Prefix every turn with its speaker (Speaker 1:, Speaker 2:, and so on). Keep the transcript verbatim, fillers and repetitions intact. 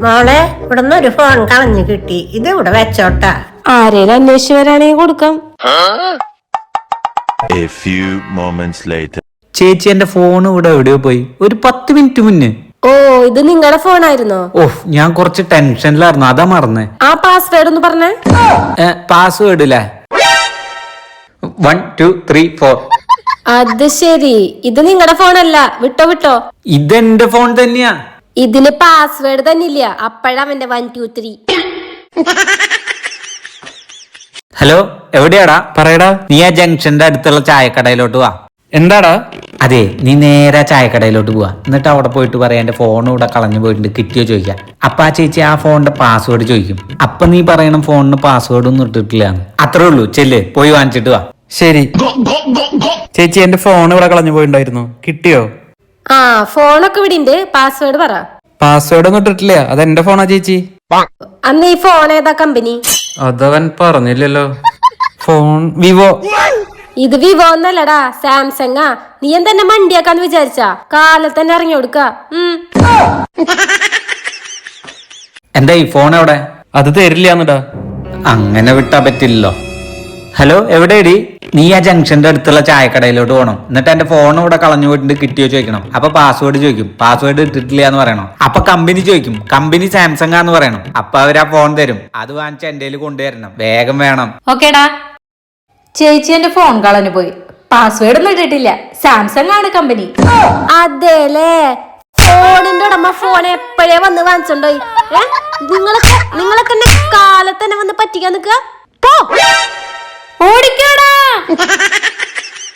Speaker 1: മോളെ ഇവിടുന്ന് ഒരു ഫോൺ കളഞ്ഞു കിട്ടി, ഇത് ഇവിടെ വെച്ചോട്ടാ.
Speaker 2: ആരേലും അന്വേഷിച്ചു വരാണെങ്കിൽ കൊടുക്കാം.
Speaker 3: A few moments later.
Speaker 4: ചേച്ചി എന്റെ ഫോൺ ഇവിടെ എവിടെയോ പോയി, ഒരു പത്ത് മിനിറ്റ് മുന്നേ.
Speaker 2: ഓ, ഇത് നിങ്ങളുടെ ഫോണായിരുന്നോ?
Speaker 4: ഓഹ്, ഞാൻ കുറച്ച് ടെൻഷനിലായിരുന്നു, അതാ മറന്നേ.
Speaker 2: ആ പാസ്വേഡ് ഒന്ന് പറഞ്ഞേ.
Speaker 4: പാസ്വേഡ് അല്ലേ? One two three four.
Speaker 2: അത് ശരി, ഇത് നിങ്ങളുടെ ഫോണല്ല. വിട്ടോ വിട്ടോ,
Speaker 4: ഇതെന്റെ ഫോൺ തന്നെയാ.
Speaker 2: ഇതിന് പാസ്വേഡ് തന്നെ ഇല്ല, അപ്പഴവന്റെ വൺ ടു ത്രീ.
Speaker 4: ഹലോ, എവിടെയാടാ? പറയടാ. നീ ആ ജംഗ്ഷന്റെ അടുത്തുള്ള ചായക്കടയിലോട്ട് വാ. എന്താടാ? അതെ, നീ നേരെ ചായക്കടയിലോട്ട് പോവാ. എന്നിട്ട് അവിടെ പോയിട്ട് പറയാ എന്റെ ഫോൺ ഇവിടെ കളഞ്ഞു പോയിട്ടുണ്ട്, കിട്ടിയോ ചോദിക്കാം. അപ്പൊ ആ ചേച്ചി ആ ഫോണിന്റെ പാസ്വേഡ് ചോദിക്കും. അപ്പൊ നീ പറയണം ഫോണിന് പാസ്വേഡ് ഒന്നും ഇട്ടിട്ടില്ല. അത്രേ ഉള്ളൂ, ചെല്ല് പോയി വാങ്ങിച്ചിട്ട് വാ. ശരി ചേച്ചി, എന്റെ ഫോൺ ഇവിടെ കളഞ്ഞു പോയിണ്ടായിരുന്നു, കിട്ടിയോ?
Speaker 2: ആ, ഫോണൊക്കെ ഇവിടെ ഉണ്ട്, പാസ്വേഡ് പറ.
Speaker 4: പാസ്വേഡ് ഒന്നും ഇട്ടിട്ടില്ല, അതെന്റെ ഫോണാ ചേച്ചി.
Speaker 2: അന്ന് ഈ ഫോൺ ഏതാ കമ്പനി?
Speaker 4: അതവൻ പറഞ്ഞില്ലല്ലോ. Phone Vivo.
Speaker 2: ഇത് വിവോ ഒന്നല്ലടാ, സാംസങ്ങാ. നീ എന്തെന്നെ മണ്ടിയാക്കാന്ന് വിചാരിച്ചാ? കാലത്ത് തന്നെ ഇറങ്ങി കൊടുക്ക.
Speaker 4: എന്താ ഈ ഫോൺ എവിടെ? അത് തരില്ലാന്നിടാ. അങ്ങനെ വിട്ടാ പറ്റില്ലല്ലോ. ഹലോ, എവിടെയടി? നീ ആ ജംഗ്ഷന്റെ അടുത്തുള്ള ചായക്കടയിലോട്ട് പോകണം. എന്നിട്ട് എന്റെ ഫോൺ ഇവിടെ കളഞ്ഞു പോയിട്ട് കിട്ടിയോ ചോദിക്കണം. അപ്പൊ പാസ്വേഡ് ചോദിക്കും, പാസ്വേഡ് ഇട്ടിട്ടില്ല എന്ന് പറയണം. അപ്പൊ കമ്പനി ചോദിക്കും, കമ്പനി സാംസങ് ആന്ന് പറയണം. അപ്പൊ അവര് ആ ഫോൺ തരും, അത് വാങ്ങിച്ച് എന്റെ കയ്യിൽ കൊണ്ടുവരണം, വേഗം വേണം.
Speaker 5: ഓക്കേടാ. ചേച്ചി എന്റെ ഫോൺ കളഞ്ഞു പോയി, പാസ്വേഡ് ഒന്നും ഇട്ടിട്ടില്ല, സാംസങ് ആണ് കമ്പനി.
Speaker 2: അതേലേ, ഫോണിന്റെ ഉടമ ഫോൺ എപ്പോഴേ വന്ന് വാങ്ങിച്ചോണ്ടോയി. നിങ്ങളൊക്കെ നിങ്ങളൊക്കെ എന്നെ കാലത്ത് തന്നെ വന്ന് പറ്റിക്കാൻ നിൽക്കുക.
Speaker 5: ഓടിക്കോടാ.